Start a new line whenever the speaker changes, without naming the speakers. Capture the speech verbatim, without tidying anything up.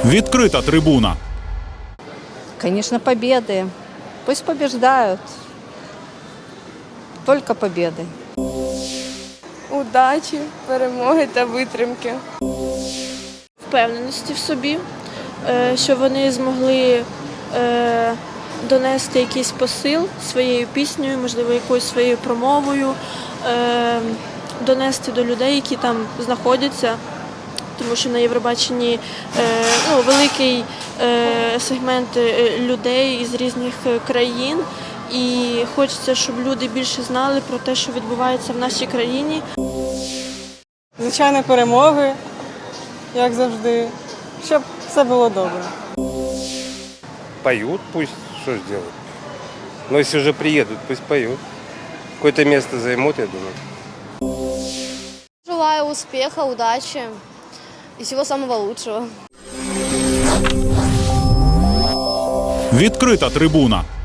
Відкрита трибуна.
Конечно, победы. Пусть побеждают. Только победы.
Удачі, перемоги та витримки.
Впевненості в собі, е, що вони змогли е, донести якийсь посил своєю піснею, можливо, якоюсь своєю промовою, е, донести до людей, які там знаходяться, тому що на Євробаченні е, ну, великий е, сегмент е, людей із різних е, країн, і хочеться, щоб люди більше знали про те, що відбувається в нашій країні.
Звичайно, перемоги, як завжди, щоб все було добре.
Поют, пусть, что ж делать. Но если уже приедут, пусть поют. Какое-то место займут, я думаю.
Желаю успеха, удачи и всего самого лучшего.
Відкрита трибуна.